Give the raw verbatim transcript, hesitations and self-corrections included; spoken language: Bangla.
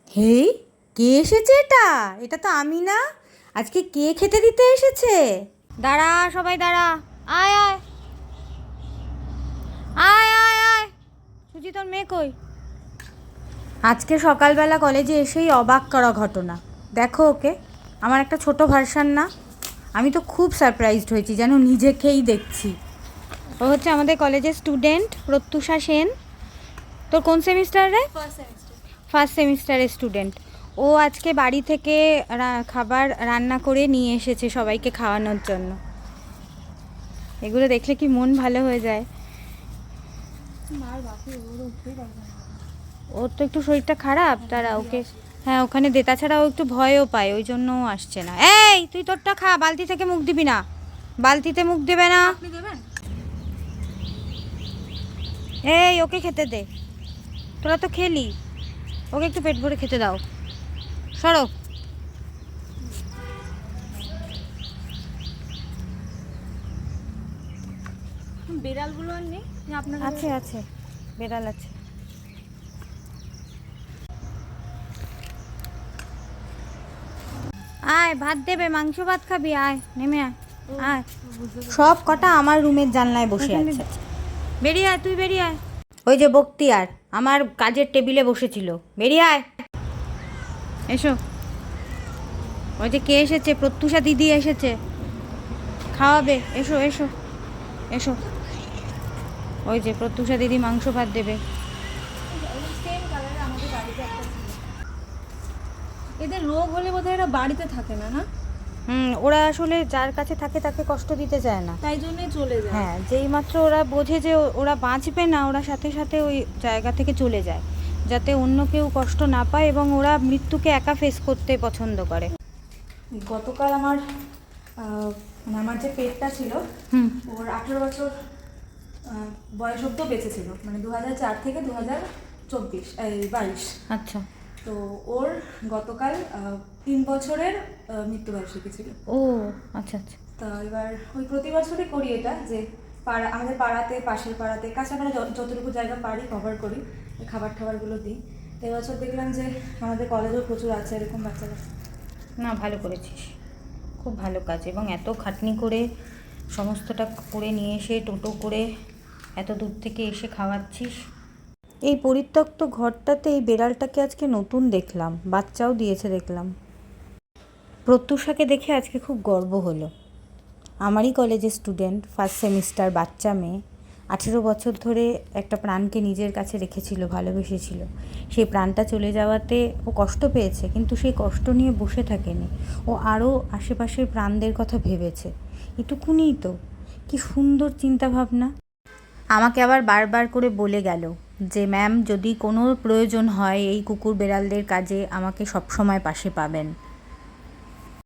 হেই, কে এসেছে? এটা এটা তো আমি না। আজকে কে খেতে দিতে এসেছে? দাঁড়া, সবাই দাঁড়া। আয় আয় আয় আয় আয় সুজি, তোর মেয়ে কই? আজকে সকালবেলা কলেজে এসেই অবাক করা ঘটনা। দেখো ওকে, আমার একটা ছোট ভার্সান না। আমি তো খুব সারপ্রাইজড হয়েছি, যেন নিজেকেই দেখছি। ও হচ্ছে আমাদের কলেজের স্টুডেন্ট প্রত্যুষা সেন। তোর কোন সেমিস্টার রে? First semester. ফার্স্ট সেমিস্টারের স্টুডেন্ট। ও আজকে বাড়ি থেকে খাবার রান্না করে নিয়ে এসেছে সবাইকে খাওয়ানোর জন্য। এগুলো দেখলে কি মন ভালো হয়ে যায়। ওর তো একটু শরীরটা খারাপ, তারা ওকে হ্যাঁ ওখানে দে, তাছাড়া ও একটু ভয়ও পায়, ওই জন্য ও আসছে না। এই তুই তোরটা খা, বালতি থেকে মুখ দিবি না, বালতিতে মুখ দেবে না। আপনি দেবেন? এই ওকে খেতে দে, তোরা তো খেলি, ওকে একটু পেট ভরে খেতে দাও। সরো। বিড়ালগুলো আর নেই? আপনার আছে আছে, বেড়াল আছে। আয় ভাত দেবে, মাংস ভাত খাবি? আয় নেমে আয় আয়। সব কটা আমার রুমের জানলায় বসে আছে। বেরিয়ে আয়, তুই বেরিয়ে আয়। ওই যে বক্তিয়ার আমার কাজের টেবিলে বসেছিল, বেরিয়ে আয়। এসো। ওই যে কে এসেছে? প্রত্যুষা দিদি এসেছে, খাওয়াবে। এসো এসো এসো। ওই যে প্রত্যুষা দিদি মাংস ভাত দেবে। সেম কালারের আমাদের বাড়িতে একটা ছিল। এদের রোগ হলে বোধহয় এরা বাড়িতে থাকে না, না? হুম, ওরা আসলে যার কাছে থাকে তাকে কষ্ট দিতে চায় না, তাই জন্যই চলে যায়। হ্যাঁ যেই মাত্র ওরা বোঝে যে ওরা বাঁচবে না, ওরা সাথে সাথে ওই জায়গা থেকে চলে যায়, যাতে অন্য কেউ কষ্ট না পায়, এবং ওরা মৃত্যুকে একা ফেস করতে পছন্দ করে। গতকাল আমার মানে আমার যে পেটটা ছিল, হুম ওর আঠেরো বছর বয়স অব্দ বেঁচে ছিল, মানে দু হাজার চার থেকে দু হাজার চব্বিশ এই বাইশ। আচ্ছা। তো ওর গতকাল তিন বছরের মৃত্যুবার্ষিকী ছিল। ও আচ্ছা আচ্ছা। তা এবার ওই প্রতি বছরই করি এটা, যে পাড়া আমাদের পাড়াতে, পাশের পাড়াতে, কাছাকাছি যতটুকু জায়গা পারি কভার করি, খাবার টাবারগুলো দিই। তো এবছর দেখলাম যে আমাদের কলেজেও প্রচুর আছে এরকম বাচ্চারা। না, ভালো করেছিস, খুব ভালো কাজ। এবং এত খাটনি করে সমস্তটা করে নিয়ে এসে টোটো করে এত দূর থেকে এসে খাওয়াচ্ছিস। এই পরিত্যক্ত ঘরটাতে এই বেড়ালটাকে আজকে নতুন দেখলাম, বাচ্চাও দিয়েছে দেখলাম। প্রত্যুষাকে দেখে আজকে খুব গর্ব হলো। আমারই কলেজের স্টুডেন্ট, ফার্স্ট সেমিস্টার, বাচ্চা মেয়ে, আঠেরো বছর ধরে একটা প্রাণকে নিজের কাছে রেখেছিল, ভালোবেসেছিল। সেই প্রাণটা চলে যাওয়াতে ও কষ্ট পেয়েছে, কিন্তু সেই কষ্ট নিয়ে বসে থাকেনি, ও আরও আশেপাশের প্রাণদের কথা ভেবেছে। এটুকুনিই তো, কি সুন্দর চিন্তাভাবনা। আমাকে আবার বারবার করে বলে গেল যে ম্যাম, যদি কোনো প্রয়োজন হয় এই কুকুর বেড়ালদের কাজে, আমাকে সবসময় পাশে পাবেন।